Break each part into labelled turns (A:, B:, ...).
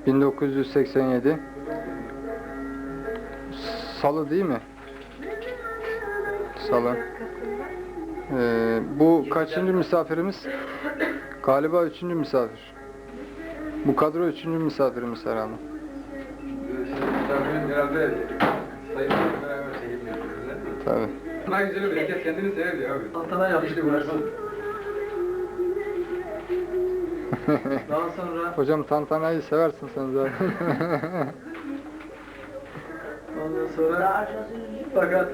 A: 1987 Salı değil mi? Salı. Bu kaçıncı misafirimiz? Galiba 3. misafir. Bu kadro 3. misafirimiz herhalde.
B: Misafirin herhalde sayın beraber çekim yapıyoruz.
A: Tabii.
B: Daha güzel herkes kendini sever ya abi.
C: Tantana yapmıştı burası. Daha sonra
A: Hocam tantanayı seversin sen zaten.
C: ondan sonra fakat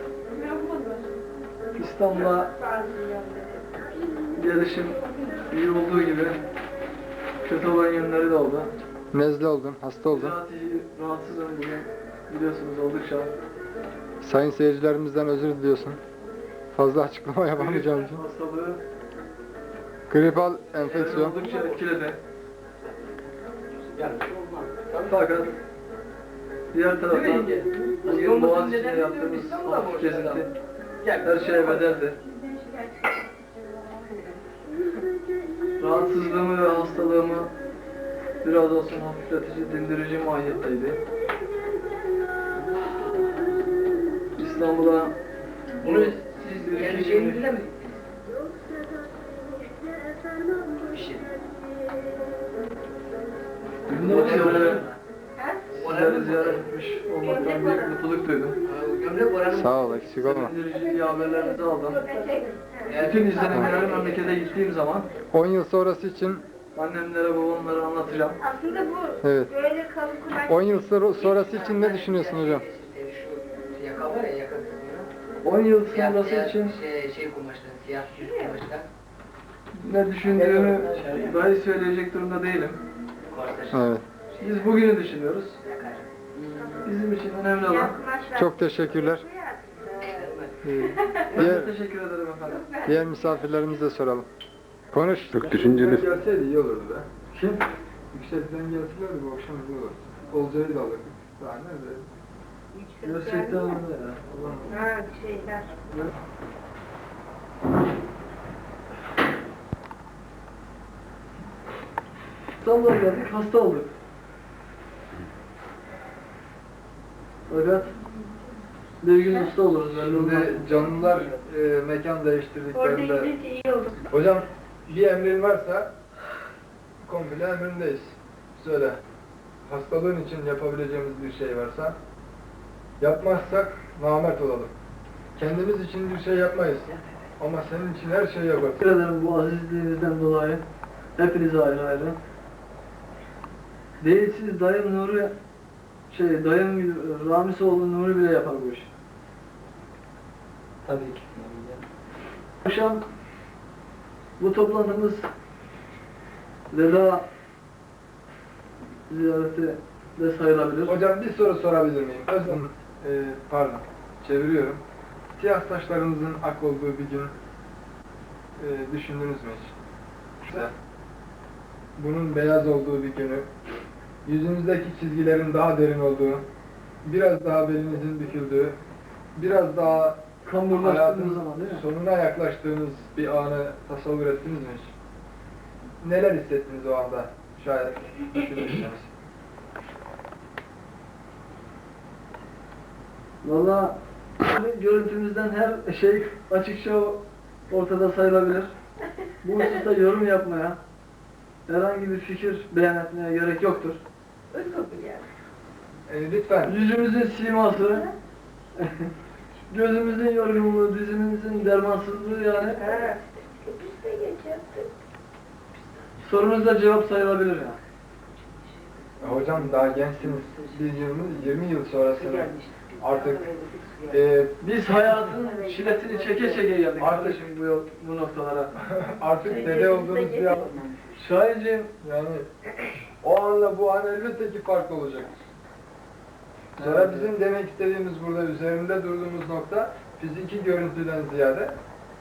C: İstanbul'a gelişim iyi olduğu gibi kötü olan yönleri de oldu.
A: Nezle oldun, hasta oldun.
C: Bizatihi rahatsızım bugün, biliyorsunuz oldukça.
A: Sayın seyircilerimizden özür diliyorsun. Fazla açıklama yapamayacağım için.
C: Hastalığı
A: Gripal enfeksiyon.
C: oldukça etkiledi. Fakat diğer taraftan bugün Boğaziçi'nde yaptığımız hafif gezinti her şeye bedeldi. Rahatsızlığımı ve hastalığımı biraz olsun hafifletici, dindirici mahiyetteydi. İstanbul'a
D: Bunu siz geleceğinizde mi? Bir şey.
C: Sizleri ziyaret etmiş olmaktan büyük mutluluk duydum.
D: Gömlek oranı.
A: Sağ ol, eksik olma.
C: Dindirici haberlerinizi aldım. Bütün izlenimleri memlekete gittiğim zaman
A: 10 yıl sonrası için,
C: annemlere, babamlara anlatacağım.
E: Aslında bu
A: evet.
E: böyle kalıp kumaş.
A: 10 yıl sonrası için ne düşünüyorsun hocam?
D: Şu yaka var ya, yaka kısmı.
C: 10 yıl
D: Siyah,
C: sonrası
D: siyah,
C: için
D: şey kumaşlar, siyah yüz kumaşlar.
C: ne düşündüğümü dahi söyleyecek durumda değilim.
A: Evet.
C: Biz bugünü düşünüyoruz. Bizim için önemli olan.
A: Çok teşekkürler.
C: Ben
A: Diğer,
C: de teşekkür ederim efendim.
A: diğer misafirlerimize de soralım. Konuş.
B: Çok düşünceli.
A: Gelseydi iyi olurdu be. Kim? Yükseltiden gelselerdi bu akşam iyi olurdu. Olcayı da alırdık. Daha nerede?
C: Gerçekten öyle ya. Allah'ım.
E: Ha şeyler.
C: İstanbul'a geldik, hasta olduk. Fakat bir gün hasta oluruz.
A: Şimdi canlılar mekan
E: Orada
A: değiştirdiklerinde...
E: gidince iyi olur.
A: Hocam bir emrin varsa komple emrindeyiz. Söyle. Hastalığın için yapabileceğimiz bir şey varsa yapmazsak namert olalım. Kendimiz için bir şey yapmayız. Ama senin için her şeyi yaparız.
C: Teşekkür ederim bu azizliğinizden dolayı. Hepinize ayrı ayrı. Değil siz dayım Nuri, dayım Ramisoğlu Nuri bile yapar bu işi.
D: Tabii ki.
C: Akşam bu toplantımız veda ziyareti de sayılabilir.
A: Hocam bir soru sorabilir miyim? Özlem, pardon, çeviriyorum. Siyah saçlarınızın ak olduğu bir gün düşündünüz mü hiç? İşte, bunun beyaz olduğu bir günü, yüzünüzdeki çizgilerin daha derin olduğu, biraz daha belinizin büküldüğü, biraz daha
C: Kamburlaştığımız
A: hayatın
C: zaman değil mi?
A: sonuna yaklaştığınız bir anı tasavvur ettiniz mi hiç? Neler hissettiniz o anda? Şayet düşünürseniz.
C: Valla görüntümüzden her şey açıkça ortada sayılabilir. Bu hususta yorum yapmaya, herhangi bir fikir beyan etmeye gerek yoktur.
A: Lütfen.
C: Yüzümüzün siması, gözümüzün yorgunluğu, dizimizin dermansızlığı yani
E: Ha. Biz de geçerdik.
C: sorunuza cevap sayılabilir yani.
A: Hocam daha gençsiniz. Biz 20 yıl sonrasını artık
C: Biz hayatın çilesini çeke çeke geldik kardeşim bu noktalara.
A: artık dede olduğunuz bir an.
C: Şahinciğim,
A: Yani o anla bu an elbette ki farklı olacak. Sonra bizim demek istediğimiz burada üzerinde durduğumuz nokta fiziki görüntüden ziyade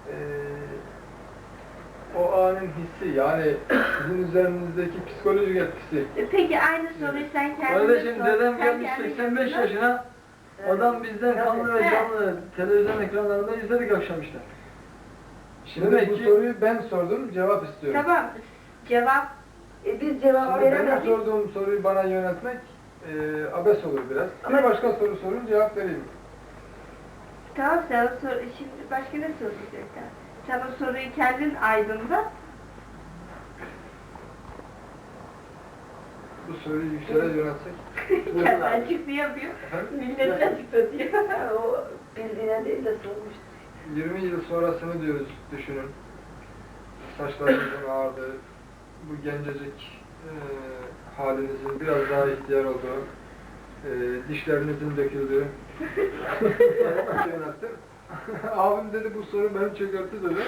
A: o anın hissi yani sizin üzerinizdeki psikolojik etkisi.
E: Peki aynı soruyu sen kendine
C: kardeşim
E: sor.
C: dedem
E: Sen
C: gelmiş
E: kendine
C: 85
E: sor.
C: yaşına, adam bizden kanlı ve canlı televizyon ekranlarında izledik akşam işte.
A: Şimdi
C: Demek
A: bu
C: ki-
A: soruyu ben sordum, cevap istiyorum.
E: Tamam. Cevap Biz cevap
A: Şimdi benim
E: veremedik.
A: sorduğum soruyu bana yöneltmek abes olur biraz.
E: Ama-
A: Bir başka soru sorun, cevap vereyim.
E: Tamam sen o soru, şimdi başka ne soracaklar? Sen o soruyu kendin aydınlat.
A: Bu soruyu Yüksel'e yöneltsek.
E: Kendi açıklayamıyor. Millet açıklatıyor.
F: O bildiğine değil de sormuştu.
A: 20 yıl sonrasını diyoruz, düşünün. Saçlarınızın ağardığı, bu gencecik halinizin biraz daha ihtiyar olduğu, dişlerinizin döküldüğü. Yönelttim. Abim dedi bu soru beni çökertti dedi.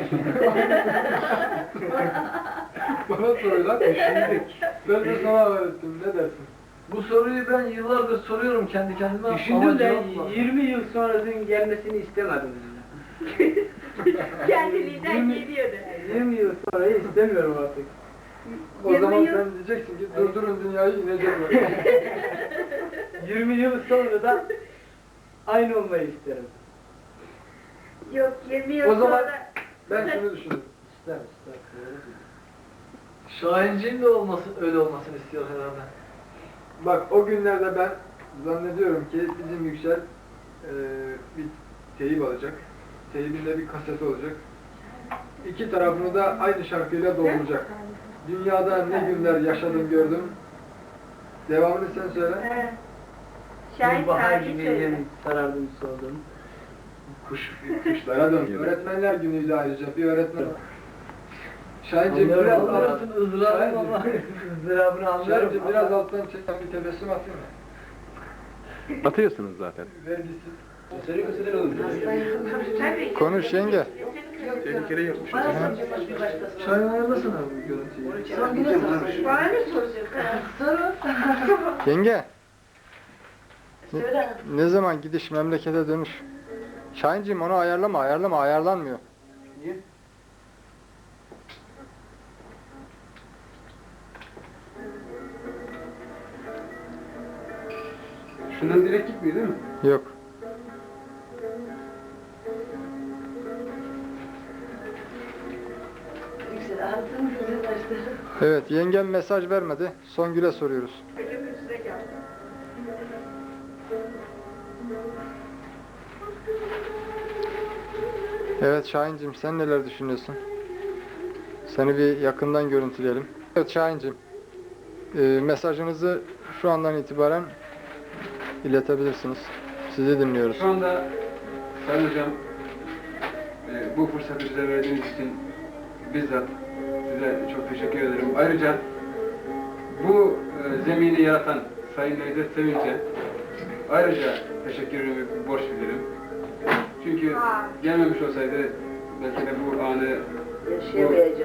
A: Bana sorular düşündük. Ben de sana öğrettim, ne dersin?
C: Bu soruyu ben yıllardır soruyorum kendi kendime ama
B: Düşündüm de
C: cevap var.
B: 20 yıl sonrasının gelmesini istemedim.
E: Kendiliğinden geliyor da.
B: 20 yıl sonrayı istemiyorum artık.
A: O
E: 20
A: zaman
E: yıl-
A: sen diyeceksin ki durdurun dünyayı inecek böyle.
B: 20 yıl sonra da aynı olmayı isterim.
E: Yok 20 yıl
A: O zaman-
E: sonra...
A: Ben şunu düşündüm.
B: İster ister.
C: Şahinciğin de öyle olmasını istiyor herhalde.
A: Bak o günlerde ben zannediyorum ki bizim Yüksel bir teyip alacak. Teyibinde bir kaseti olacak. İki tarafını da aynı şarkıyla dolduracak. Dünyada ne günler yaşadım gördüm. Devamını sen söyle.
E: He. Şahit
B: Bir bahar
E: sahibi
B: gibi
E: söyle.
B: yeni sarardım soldum.
A: Kuşlara dön. Öğretmenler günüydü ayrıca. Bir öğretmen. Şahinciğim biraz
B: Anlıyorum,
A: alttan,
B: anlıyorsun ızdırabını ama ızdırabını anlıyorum.
A: Şahinciğim biraz alttan çeken bir tebessüm atayım mı?
G: Atıyorsunuz zaten.
A: Vergisiz.
B: Seri köseden olur.
E: Tabii.
G: Konuş yenge.
B: Tehlikeli yapmış.
F: Bana soracak bir başkası.
C: Şahin ayarlasana bu görüntüyü.
F: Son güne sorsun.
E: Bana ne soracak?
F: Soru.
G: Yenge,
F: Söyle.
G: ne zaman gidiş memlekete dönüş? Şahinciğim onu ayarlama, ayarlanmıyor.
B: Niye?
A: Şundan direkt gitmiyor değil mi?
G: Yok.
F: Yüksel altın gözün açtı.
G: Evet, yengem mesaj vermedi. Songül'e soruyoruz.
E: Önümüzde geldi.
G: Evet Şahinciğim, sen neler düşünüyorsun? Seni bir yakından görüntüleyelim. Evet Şahinciğim, mesajınızı şu andan itibaren iletebilirsiniz. Sizi dinliyoruz.
H: Şu anda Sayın Hocam bu fırsatı bize verdiğiniz için bizzat size çok teşekkür ederim. Ayrıca bu zemini yaratan Sayın Necdet Sevinç'e ayrıca teşekkürümü borç bilirim. Çünkü gelmemiş olsaydı belki de bu anı
F: Yaşayamayacak.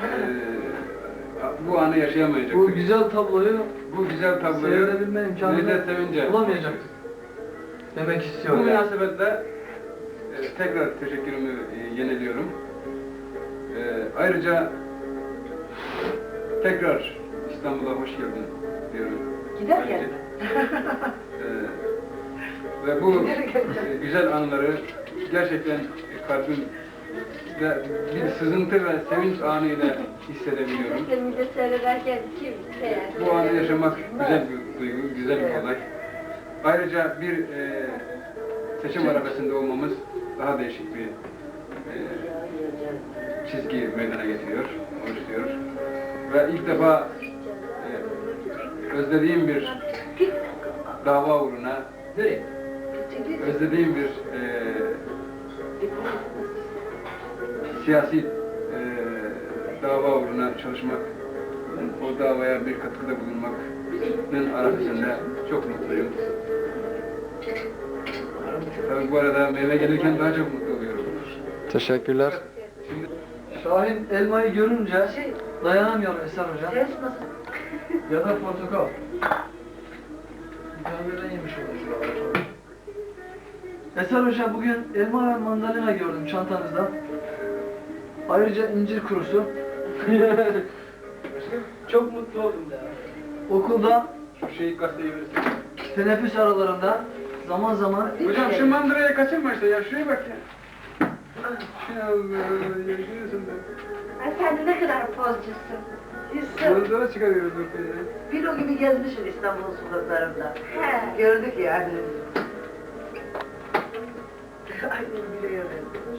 H: bu anı yaşayamayacaktık.
C: Bu güzel tabloyu
H: Bu güzel tabloyu
C: seyredebilme imkanını
H: Necdet Sevinç'e
C: bulamayacaktık. Demek
H: bu
C: istiyorum.
H: münasebetle tekrar teşekkürümü yeniliyorum. Ayrıca tekrar İstanbul'a hoş geldin diyorum.
F: Giderken mi?
H: Ve bu güzel anları gerçekten kalbim ve bir sızıntı ve sevinç anıyla hissedebiliyorum.
E: İşte millet seyrederken kim yani?
H: Bu anı yaşamak güzel bir duygu, güzel bir olay. Ayrıca bir seçim arabasında olmamız daha değişik bir çizgi meydana getiriyor, oluşturuyor. Ve ilk defa özlediğim bir dava uğruna, özlediğim bir siyasi dava uğruna çalışmak, o davaya bir katkıda bulunmanın arasında çok mutluyum. Tabii bu arada meyve gelirken daha çok mutlu oluyorum.
G: Teşekkürler.
C: Şahin elmayı görünce dayanamıyor Eser Hocam.
F: Ses nasıl?
C: Ya da portakal. Bir tane birden yemiş olur. Eser Hocam bugün elma ve mandalina gördüm çantanızda. Ayrıca incir kurusu.
B: Çok mutlu oldum ya.
C: Okulda
H: Şu şeyi gazeteye verirsin.
C: teneffüs aralarında zaman zaman
H: Hocam şu mandıraya kaçırma işte ya, şuraya bak ya. Ya Allah, yaşıyorsun da.
E: Ay sen de ne kadar pozcusun.
F: İnsan
A: Yollara çıkarıyoruz ortaya.
F: filo gibi gezmişsin İstanbul'un sokaklarında.
E: He.
F: Gördük yani. Aynen biliyorum.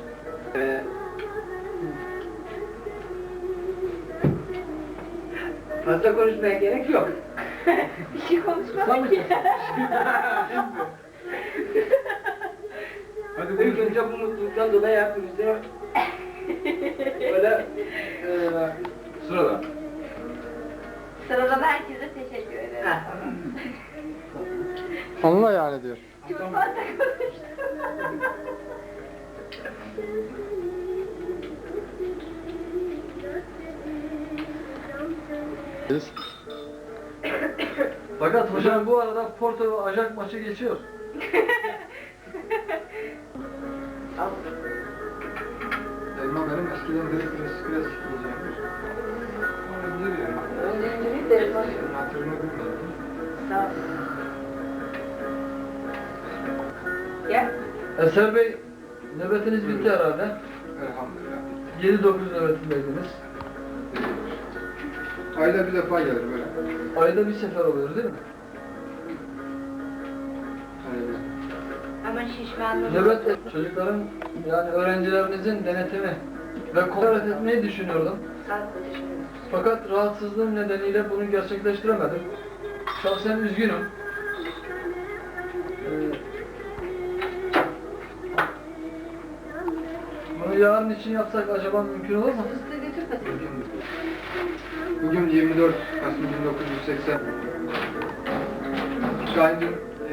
D: Fazla konuşmaya gerek yok.
E: Bir şey konuşmadık ki.
A: Hadi
D: İlk
A: buyurun.
D: önce bu mutluluktan dolayı hepimize böyle
H: Sırada.
E: Sıradan herkese teşekkür ederim.
G: Anla yani diyor.
E: Çok fazla konuştum.
G: Biz
C: Fakat hocam bu arada Porto ve Ajax maçı geçiyor.
A: Elma benim eskiden de klasik yiyeceğimdir. Onu bilir yani.
F: Önceki de elma.
A: Senin hatırını bilmiyorum.
F: Sağ ol.
E: Gel.
C: Eser Bey, nöbetiniz bitti herhalde.
A: Elhamdülillah.
C: 7-9 nöbetindeydiniz.
A: Ayda bir defa gelir böyle.
C: Ayda bir sefer oluyor değil mi?
A: Öyle.
E: Ama şişmanlığı.
C: Nöbet çocukların yani öğrencilerinizin denetimi ve kontrol etmeyi düşünüyordum.
F: Sağ ol. Teşekkür ederim.
C: Fakat rahatsızlığım nedeniyle bunu gerçekleştiremedim. Şahsen üzgünüm. Bunu yarın için yapsak acaba mümkün olur mu?
F: Fıstığı götürmesin.
A: Bugün 24 Kasım 1980. Şahin'in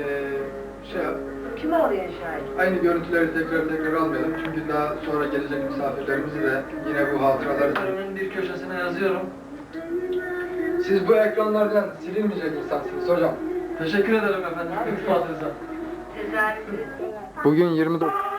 F: Kim arıyor Şahin?
A: aynı görüntüleri tekrar almayalım. Çünkü daha sonra gelecek misafirlerimizi de yine bu hatıraları...
C: Önümün bir köşesine yazıyorum.
A: Siz bu ekranlardan silinmeyecek insansınız hocam.
C: Teşekkür ederim efendim. İltifatınıza.
E: Tezahüratı.
G: bugün 29